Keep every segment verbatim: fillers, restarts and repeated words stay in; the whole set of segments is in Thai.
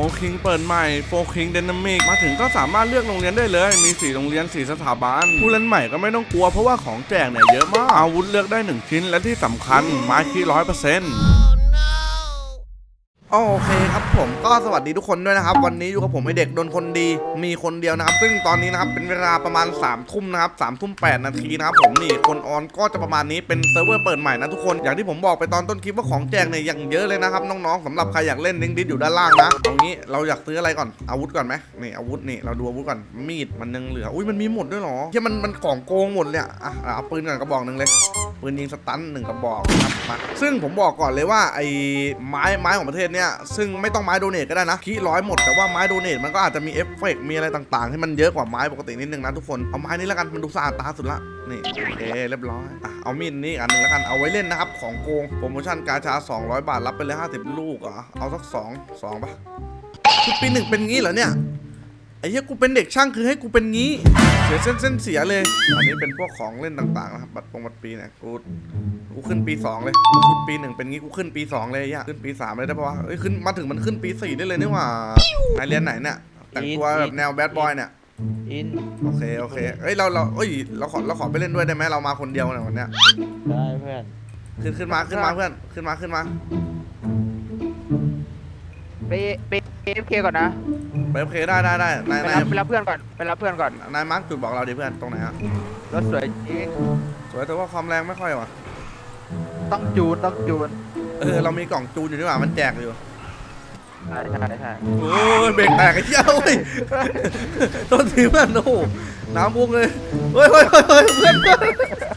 คิงเปิดใหม่โฟคิงไดนามิกมาถึงก็สามารถเลือกโรงเรียนได้เลยมีสี่โรงเรียนสี่สถาบันผู้เล่นใหม่ก็ไม่ต้องกลัวเพราะว่าของแจกเนี่ยเยอะมากอาวุธเลือกได้หนึ่งชิ้นและที่สำคัญไม้คีร้อยเปอร์เซ็นต์โอเคครับผมก็สวัสดีทุกคนด้วยนะครับวันนี้อยู่กับผมไอเด็กโดนคนดีมีคนเดียวนะครับซึ่งตอนนี้นะครับเป็นเวลาประมาณสามทุ่มนะครับสามทุ่มแปดนาทีนะครับผมนี่คนออนก็จะประมาณนี้เป็นเซิร์ฟเวอร์เปิดใหม่นะทุกคนอย่างที่ผมบอกไปตอนต้นคลิปว่าของแจกเนี่ยอย่างเยอะเลยนะครับน้องๆสำหรับใครอยากเล่นลิงก์ดิสอยู่ด้านล่างนะเอางี้เราอยากซื้ออะไรก่อนอาวุธก่อนไหมนี่อาวุธนี่เราดูอาวุธก่อนมีดมันยังเหลืออุ้ยมันมีหมดด้วยหรอที่มันมันของโกงหมดเลยอ่ะเอาปืนก่อนกระบอกหนึ่งเลยปืนยิงสตันหนึ่งกระบอกครับมาซึ่งผมบอกก่อนเลยว่าไอ้ไม้ไม้ของประเทศเนี้ยซึ่งไม่ต้องไม้โดเนทก็ได้นะคีร้อยหมดแต่ว่าไม้โดเนทมันก็อาจจะมีเอฟเฟกต์มีอะไรต่างๆที่มันเยอะกว่าไม้ปกตินิดนึงนะทุกคนเอาไม้นี้แล้วกันมันดูสะอาดตาสุดละนี่โอเคเรียบร้อยอ่ะเอามีดนี้อันนึงแล้วกันเอาไว้เล่นนะครับของโกงโปรโมชั่นกาชาสองร้อยบาทรับไปเลยห้าสิบลูกเหรอเอาสักสอง สองป่ะคือปีหนึ่งเป็นงี้เหรอเนี่ยไอ้เหี้ยกูเป็นเด็กช่างคือให้กูเป็นงี้เสียเส้นเส้นเสียเลยอันนี้เป็นพวกของเล่นต่างๆนะครับบัตรปงบัตรปีเนี่ยกูกูขึ้นปีสองเลยชุดปีหนึ่งเป็นงี้กูขึ้นปีสองเลยย่าขึ้นปีสามเลยได้ปะวะเอ้ยขึ้นมาถึงมันขึ้นปีสี่ได้เลยนี่หว่าไหนเรียนไหนเนี่ยแต่งตัวแบบแนวแบดบอยเนี่ยอินโอเคโอเคเอ้ยเราเราเอ้ยเราขอเราขอไปเล่นด้วยได้ไหมเรามาคนเดียวเนี่ยวันเนี้ยได้เพื่อนขึ้นขึ้นมาขึ้นมาเพื่อนขึ้นมาขึ้นมาไปไปเอฟเคก่อนนะไปโอเคได้ได้ได้นายนายไปรับเพื่อนก่อนไปรับเพื่อนก่อนนายมาร์คจุดบอกเราดิเพื่อนตรงไหนอะรถสวยจริงสวยแต่ว่าความแรงไม่ค่อยว่ะต้องจูนต้องจูนเออเรามีกล่องจูนอยู่ด้วยว่ะมันแจกอยู่ใช่ใช่ใช่โอ้ยเบรกแตกไอ้เจ้าเว้ยต้นทีเพื่อนโอ้โหน้ำพุ่งเลยเฮ้ยเฮ้ยเฮ้ยเฮ้ยเพื่อนเพื่อน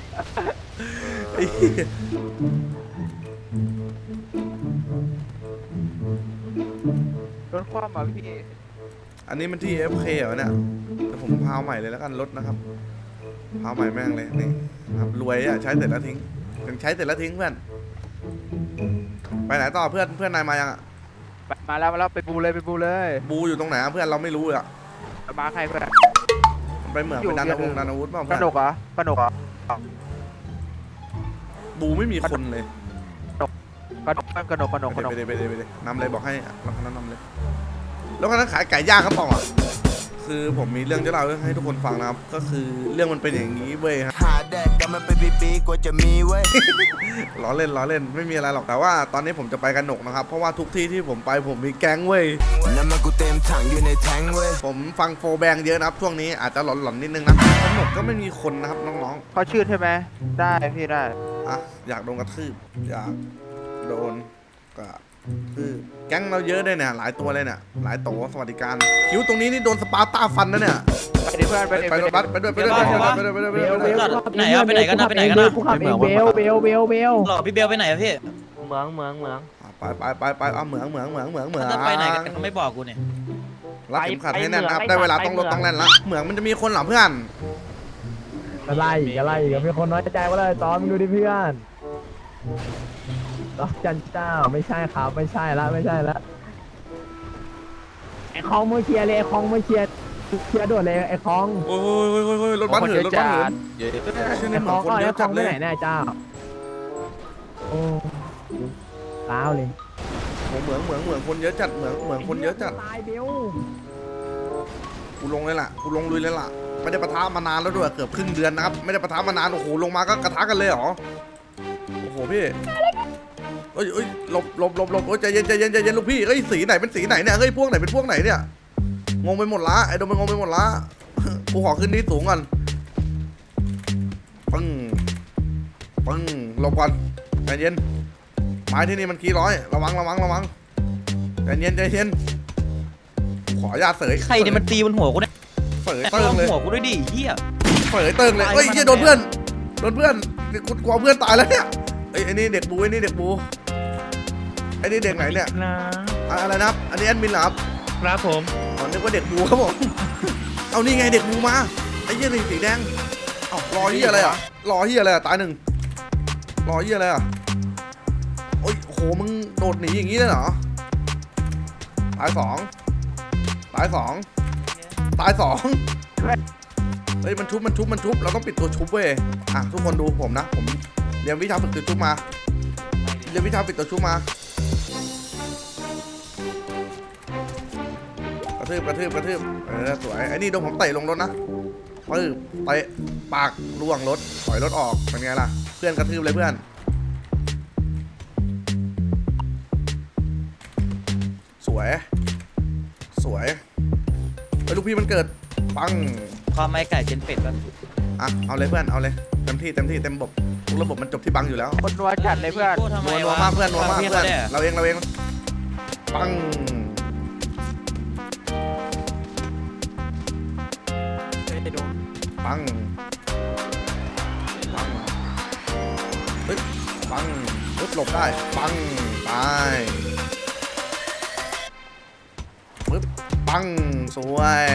รถคว่ำมาพี่อันนี้มันที่ เอฟ เค เหรอเนี่ยแต่ผมพาวใหม่เลยแล้วกันรถนะครับพาวใหม่แม่งเลยนี่ครับรวยอะใช้เสร็จแล้วทิ้งถึงใช้เสร็จแล้วทิ้งเพื่อนไปไหนต่อเพื่อนเพื่อนนายมายังอะมาแล้วมาแล้วไปบูเลยไปบูเลยบูอยู่ตรงไหนเพื่อนเราไม่รู้อะมาใครเพื่อนไปเหมือนไปดันอาวุธดันอาวุธเปล่ากระดกเหรอ กระดกเหรอบูไม่มีคนเลยกระดกกระดกกระดกกระดกไปเลยไปเลยไปเลยนำเลยบอกให้เราคนนั้นนำเลยแล้วคนนั้นขายไก่ย่างครับป่องอ่ะคือผมมีเรื่องจะเล่าให้ทุกคนฟังนะครับก็คือเรื่องมันเป็นอย่างนี้เว้ยฮะหาแดกกันมันเป็นปีๆกว่าจะมีเว้ยล้อเล่นล้อเล่นไม่มีอะไรหรอกแต่ว่าตอนนี้ผมจะไปกันหนกนะครับเพราะว่าทุกที่ที่ผมไปผมมีแก๊งเว้ยแล้วมันกูเต็มถังอยู่ในแทงเว้ยผมฟังโฟแบงเยอะนะครับช่วงนี้อาจจะหลอนๆนิดนึงนะหนกก็ไม่มีคนนะครับน้องๆเขาชื่อใช่ไหมได้พี่ได้อ่ะอยากโดนกระทืบอยากโดนกระคือแก๊งเราเยอะด้วยเนี่ยหลายตัวเลยเนี่ยหลายโตสวัสดิการคิ้วตรงนี้นี่โดนสปาร์ต้าฟันนะเนี่ยไปดิเพื่อนไปดิไปด้วยไปด้วยไปด้วยไปด้วยไปด้วยไปด้วยไปด้วยไหนอะไปไหนกันนะไปไหนกันนะไปเมืองเบลเบลเบลเบลหรอพี่เบลไปไหนอะพี่เมืองเมืองเมืองไปไปไปไปเอาเหมืองเหมืองเหมืองเหมืองเหมืองจะไปไหนกันเขาไม่บอกกูเนี่ยรัดเข็มขัดให้แน่นนะครับได้เวลาต้องรถต้องแล่นละเหมืองมันจะมีคนหรอเพื่อนอะไรอะไรก็มีคนน้อยใจว่าเลยตอนมึงดูดิเพื่อนดอกจันเจ้าไม่ใช่ครับไม่ใช่ละไม่ใช่ละไอ้คองมือเคลียร์เลยไอ้คองมือเคลียร์เคลียร์ด่วนเลยไอ้คองโอ้ยโอ้ยโอ้ยรถบัสเหินรถบัสเหินไอ้คองก็ไอ้คองไปไหนแน่เจ้าโอ้ล้าวเลยเหมืองเหมืองเหมืองคนเยอะจัดเหมืองเหมืองคนเยอะจัดตายเบลกูลงเลยล่ะกูลงลุยเลยล่ะไม่ได้ปะทะมานานแล้วด้วยเกือบครึ่งเดือนนะครับไม่ได้ปะทะมานานโอ้โหลงมาก็กระทะกันเลยเหรอโอ้โหพี่เอ้ยเอ้ยหลบหลบหลบหลบโอ้ยใจเย็นใจเย็นใจเย็นลูกพี่เอ้ยสีไหนเป็นสีไหนเนี่ยเฮ้ยพวกไหนเป็นพวกไหนเนี่ยงงไปหมดละไอ้โดมมันงงไปหมดละกูขอขึ้นที่สูงก่อนปึ้งปึ้งหลบก่อนใจเย็นไม้ที่นี่มันกี่ร้อยระวังระวังระวังใจเย็นใจเย็นขออนุญาตเสยใครเนี่ยมันตีบนหัวกูเนี่ยเสยเติงเลยหัวกูด้วยดิเฮียเสยเติงเลยเฮ้ยเฮียโดนเพื่อนโดนเพื่อนกูกลัวเพื่อนตายแล้วเนี่ยไอ้ไอ้นี่เด็กบูไอ้นี่เด็กบูไอ้นี่เด็กไหนเนี่ยอะไรนะครับอันนี้แอดมินเหรอครับครับผมอ๋อนึกว่าเด็กบูครับผมเอานี่ไงเด็กบูมาไอ้เหี้ยนี่สีแดงเอ้ารอเหี้ยอะไรอ่ะรอเหี้ยอะไรอ่ะตายหนึ่งรอเหี้ยอะไรอ่ะโอ้ยโหมึงโดดหนีอย่างนี้เลยเหรอตายสองตายสองตายสองเฮ้ยมันชุบมันชุบมันชุบเราต้องปิดตัวชุบเว้ยอ่ะทุกคนดูผมนะผมเรียนวิชาฝึกตัวชุบมาเรียนวิชาปิดตัวชุบมากระทืบกระทืบกระทืบเออสวยไอ้นี่โดนผมเตะลงรถนะปึ๊บเตะปากล่วงรถถอยรถออกเป็นไงล่ะเพื่อนกระทืบเลยเพื่อนสวยสวยไอ้ลูกพี่มันเกิดปังความไม่ไก่เจนเป็ดแล้วอ่ะเอาเลยเพื่อนเอาเลยเต็มที่เต็มที่เต็มระบบทุกระบบมันจบที่บังอยู่แล้วคนนัวจัดเลยเพื่อนพูดทำไมนัวนัววะมากเพื่อนนัวมากพี่เพื่อนขาเนี่ยเราเองเราเองปัง ปัง ปังปึ๊บปังปึ๊บหลบได้ ปังตายปึ๊บปังสวย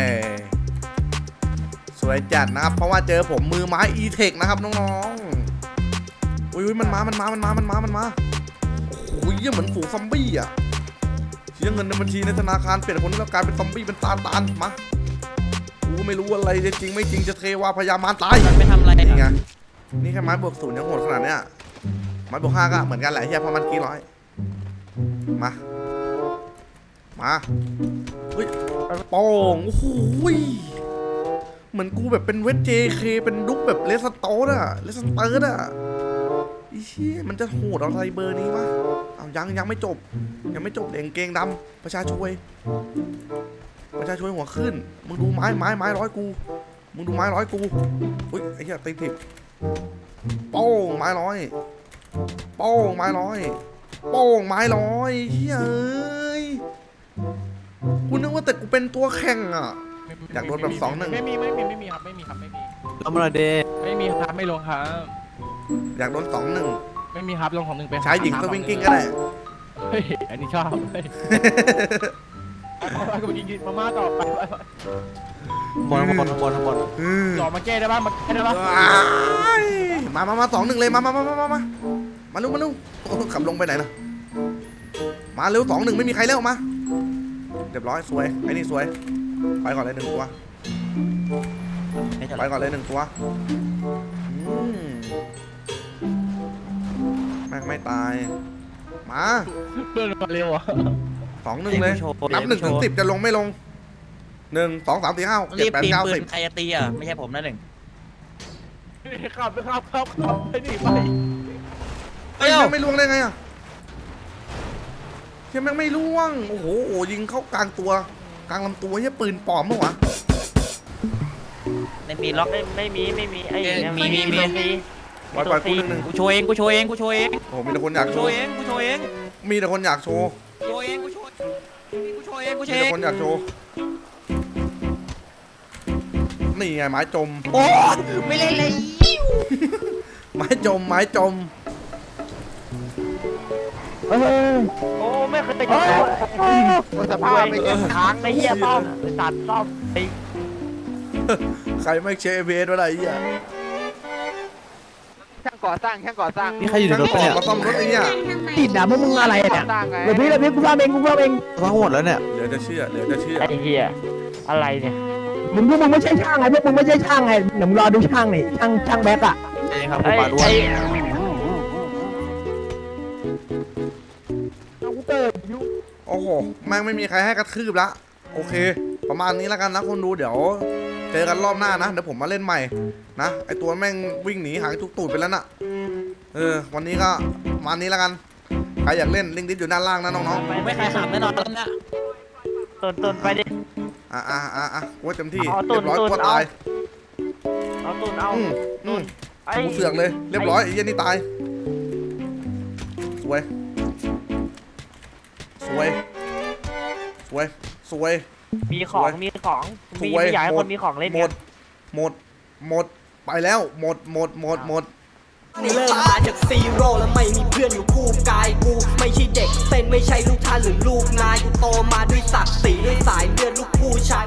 สวยจัดนะครับ เพราะว่าเจอผมมือไม้อีเทคนะครับน้องๆอุ้ยมันมา มันมา มันมา มันมา มันมา โอ้โหเยี่ยเหมือนฝูงซอมบี้อ่ะเสียเงินในบัญชีในธนาคารเปลี่ยนคนแล้วกลายเป็นซอมบี้เป็นตาตานมากูไม่รู้อะไรจะจริงไม่จริงจะเทวาพยามารตายมันไปทำอะไรนี่ไงอะนี่แค่ไม้บวกศูนย์ยังโหดขนาดเนี้ยไม้บวกห้าก็เหมือนกันแหละเฮียเพราะมันกี่ร้อยมา มาเฮ้ยโป้งโอ้โหเหมือนกูแบบเป็นเวทเจเคเป็นดุ๊กแบบเลสโตร์อะเลสเตอร์อะอีเชี่ยมันจะโหดอะไรเบอร์นี้วะเอายังยังไม่จบ ยังไม่จบเด็กเกงดำประชาช่วยประชาช่วยหัวขึ้นมึงดูไม้ไม้ไม้ร้อยกูมึงดูไม้ร้อยกูอุ้ยไอ้เหี้ยตีถิบโป้งไม้ร้อยโป้งไม้ร้อยโป้งไม้ร้อยเฮ้ยเอ้ยกูนึกว่าแต่กูเป็นตัวแข่งอ่ะอยากโดนแบบสองหนึ่งไม่มีไม่มีไม่มีครับไม่มีครับไม่มีลงมาเดไม่มีครับไม่ลงครับอยากโดนสองหนึ่งไม่มีครับลงของหนึ่งไปชายหญิงสวิงกิ้งก็ได้เฮ้ยอันนี้ชอบเฮ้ยไปไปไปกินมาม่าต่อไปไปไปบนบนบนบนอืมหล่อมาแก้ได้ป่ะมาแก้ได้ป่ะว้ายมามามาสองหนึ่งเลยมามามามามามามาลุกมาลุกโอ้ขับลงไปไหนนะมาเร็วสองหนึ่งไม่มีใครเร็วมาเรียบร้อยสวยไอ้นี่สวยไปก่อนเลยหนึ่งตัวไม่ใช่ไปก่อนเลยหนึ่งตัวอืมแม่งไม่ตาย มาเพื่อนมาเร็วอ่ะสองหนึ่งเลย นับหนึ่งถึงสิบจะลงไม่ลงหนึ่งสองสามสี่ห้าเจ็รีดบแปดตีเก้าปืสินบใครจะตีอ่ะไม่ใช่ผมนะหนึ่งขับไปขับขับขับไปดิไปเฮ้ยยังไม่ล่วงได้ไงอ่ะยังแม่งไม่ล่วง โอ้โหโอ้ยิงเข้ากลางตัว กลางลำตัวเฮ้ยปืนปลอมมั้งวะในปีล็อกไม่ไม่มีไม่มีไอ้มีมีมีมีปล่อยปล่อยกูหนึ่งหนึ่งกูโชว์เองกูโชว์เองกูโชว์เองโอ้โหมีแต่คนอยากกูโชโชว์ว์เองกูโชว์เองมีแต่คนอยากโชว์โชว์เองกูโชว์กูโชว์เองกูโชมีว์เอแต่งคนอยากโชว์ นี่ไงไม้จมโอ้ไม่เล่นเลยไม้จม ไม้จมเฮ้ยโอ้ไม่เคยเจอโอ้สภาพไม่เจอค้างไอ้เหี้ยป้อมไอ้สัตว์ป้อมไอ้ใครไม่เช็คเบสวะไรเหี้ยช่างก่อสร้างช่างก่อสร้างนี่ใครอยู่ในรถเนี่ยมาซ่อมรถไอ้เนี่ยติดด่าพวกมึงอะไรก่เนี่อย สร้างไงเดี๋ยวพี่เดี๋ยวพี่กูซ่อมเองกูซ่อมเองซ่อมหมดแล้วเนี่ยเดี๋ยวจะเชื่อ เดี๋ยวจะเชื่อไอ้เหี้ยอะไรเนี่ยมึงพวกมึงไม่ใช่ช่างไงพวกมึงไม่ใช่ช่างไงเดี๋ยวมึงรอดูช่างนี่ช่างช่างแบ็คอะเองครับไอ้ไอ้เอากูเกิดอยู่โอ้โห แม่งไม่มีใครให้กระทืบละ โอเค ประมาณนี้แล้วกันนะคนดู เดี๋ยว เจอกันรอบหน้านะ เดี๋ยวผมมาเล่นใหม่นะ ไอตัวแม่งวิ่งหนีหายทุกตูดไปแล้วน่ะ เออ วันนี้ก็ประมาณนี้แล้วกัน ใครอยากเล่นลิงก์ดิสอยู่ด้านล่างนะน้องผมไม่ใครขำแน่นอนแล้วนะตุนตุนไปดิๆ อ่ะอ่ะอ่ะอ่ะกูว่าเต็มที่เอาตูเรีดยบร้อยตูดกูตายเอาตุนเอาอืมอืมไอ้กูเสือกเลย เรียบร้อยไอ้เหี้ยนี่ตาย สวย สวย สวย สวยมีของมีของมีสวยไม่อยากให้หมคดนมีของเล่นหมกัดนหมด หมด ไปแล้ว หมด หมด หมด หมดเริ่มมาจากซีโร่แล้วไม่มีเพื่อนอยู่คู่กายกูไม่ใช่เด็กเส้นไม่ใช่ลูกท่านหรือลูกนายกูโตมาด้วยศักดิ์ศรีด้วยสายเลือดลูกผู้ชาย